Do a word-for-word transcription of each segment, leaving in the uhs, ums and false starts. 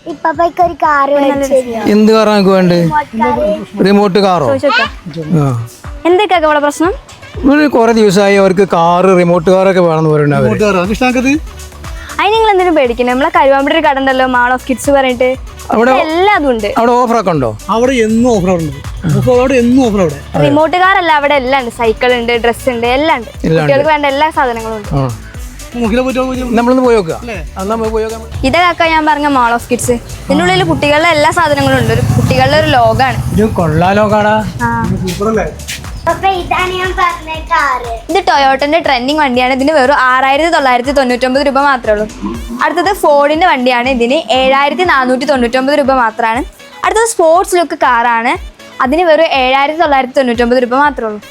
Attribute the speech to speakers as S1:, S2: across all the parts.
S1: എന്ത് കാറാ നമുക്ക് വേണ്ടത്? റിമോട്ട് കാറോ?
S2: എന്തൊക്കെ ഇവിടെ പ്രശ്നം?
S1: കുറെ ദിവസമായി അവർക്ക് കാറ് റിമോട്ട് കാറൊക്കെ വേണമെന്ന് പറയുന്നത്.
S2: അതിന് നിങ്ങൾ എന്തിനും പേടിക്കുന്നത്? നമ്മളെ കരുവാമ്പടി ഒരു കട ഉണ്ടല്ലോ, മാൾ ഓഫ് കിഡ്സ് പറഞ്ഞിട്ട്, അവിടെ എല്ലാം ഉണ്ട്.
S1: അവിടെ ഓഫറൊക്കെ ഉണ്ടോ?
S3: അവിടെ എന്നും ഓഫർ ഉണ്ട്. അവിടെ എന്നും ഓഫർ. അവിടെ
S2: റിമോട്ട് കാർ അല്ല, അവിടെ എല്ലാം ഉണ്ട്. സൈക്കിൾ ഉണ്ട്, ഡ്രസ് ഉണ്ട്, എല്ലാം ഉണ്ട്. കുട്ടികൾക്ക് വേണ്ട എല്ലാ സാധനങ്ങളും ഉണ്ട്.
S1: നമ്മളൊന്ന് പോയി നോക്കാം.
S2: ഇതൊക്കെ ഞാൻ പറഞ്ഞ മാൾ ഓഫ് കിഡ്സ്. ഇതിനുള്ളിൽ കുട്ടികളുടെ എല്ലാ സാധനങ്ങളും ഉണ്ട്. ഒരു കുട്ടികളുടെ ഒരു ലോകാണ്. ഇത് ടൊയോട്ടന്റെ ട്രെൻഡിങ് വണ്ടിയാണ്. ഇതിന് വെറും ആറായിരത്തി തൊള്ളായിരത്തി തൊണ്ണൂറ്റൊമ്പത് രൂപ മാത്രമേ ഉള്ളൂ. അടുത്തത് ഫോർഡിന്റെ വണ്ടിയാണ്. ഇതിന് ഏഴായിരത്തി നാനൂറ്റി തൊണ്ണൂറ്റൊമ്പത് രൂപ മാത്രമാണ്. അടുത്തത് സ്പോർട്സ് ലുക്ക് കാറാണ്. അതിന് വെറും ഏഴായിരത്തി തൊള്ളായിരത്തി തൊണ്ണൂറ്റൊമ്പത് രൂപ മാത്രമേ ഉള്ളൂ.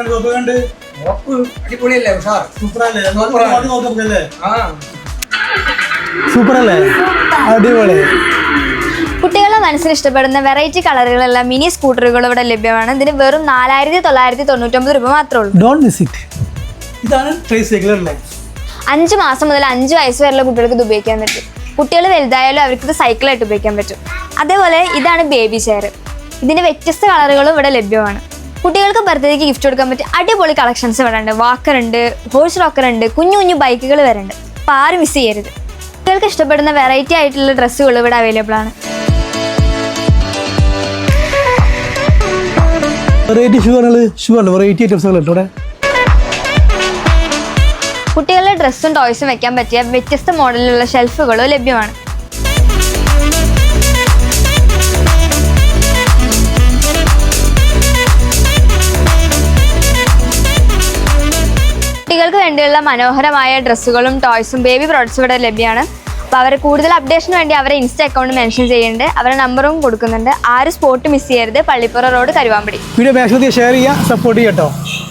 S3: സൂപ്പറല്ലേ? അടിപൊളി.
S2: കുട്ടികളുടെ മനസ്സിന് ഇഷ്ടപ്പെടുന്ന വെറൈറ്റി കളറുകളെല്ലാം മിനി സ്കൂട്ടറുകൾ ഇവിടെ ലഭ്യമാണ്. ഇതിന് വെറും നാലായിരത്തി തൊള്ളായിരത്തി തൊണ്ണൂറ്റൊമ്പത് രൂപ മാത്രമേ ഉള്ളൂ.
S3: Don't miss it. ഇതാണ് ട്രൈസൈക്കിൾ അല്ലേ?
S2: അഞ്ച് മാസം മുതൽ അഞ്ച് വയസ്സ് വരെയുള്ള കുട്ടികൾക്ക് ഇത് ഉപയോഗിക്കാൻ പറ്റും. കുട്ടികൾ വലുതായാലും അവർക്ക് ഇത് സൈക്കിളായിട്ട് ഉപയോഗിക്കാൻ പറ്റും. അതേപോലെ ഇതാണ് ബേബി ചെയർ. ഇതിന് വ്യത്യസ്ത കളറുകളും ഇവിടെ ലഭ്യമാണ്. കുട്ടികൾക്ക് ബർത്ത്ഡേക്ക് ഗിഫ്റ്റ് കൊടുക്കാൻ പറ്റിയ അടിപൊളി കളക്ഷൻസ് ഇവിടെ ഉണ്ട്. വാക്കർ ഉണ്ട്, ഹോഴ്സ് റോക്കർ ഉണ്ട്, കുഞ്ഞു കുഞ്ഞു ബൈക്കുകൾ വരെ ഉണ്ട്. അപ്പോൾ ആരും മിസ് ചെയ്യരുത്. കുട്ടികൾക്ക് ഇഷ്ടപ്പെടുന്ന വെറൈറ്റി ആയിട്ടുള്ള ഡ്രസ്സുകൾ ഇവിടെ അവൈലബിൾ ആണ്.
S3: വെറൈറ്റി ഷൂ ആണ്. ഷൂ ആണ് വെറൈറ്റി ഐറ്റംസ് ഇവിടെ.
S2: കുട്ടികളുടെ ഡ്രസ്സും ടോയ്സും വെക്കാൻ പറ്റിയ വ്യത്യസ്ത മോഡലിലുള്ള ഷെൽഫുകളും ലഭ്യമാണ്. കുട്ടികൾക്ക് വേണ്ടിയുള്ള മനോഹരമായ ഡ്രസ്സുകളും ടോയ്സും ബേബി പ്രോഡക്ട്സും ഇവിടെ ലഭ്യമാണ്. അപ്പോൾ അവരെ കൂടുതൽ അപ്ഡേഷന് വേണ്ടി അവരെ ഇൻസ്റ്റ അക്കൗണ്ട് മെൻഷൻ ചെയ്യുന്നുണ്ട്. അവരുടെ നമ്പറും കൊടുക്കുന്നുണ്ട്. ആരും സ്പോട്ട് മിസ് ചെയ്യരുത്. Pallippura road, Karuvampadi.
S3: Video maximum share ചെയ്യുക, സപ്പോർട്ട് ചെയ്യാം കേട്ടോ.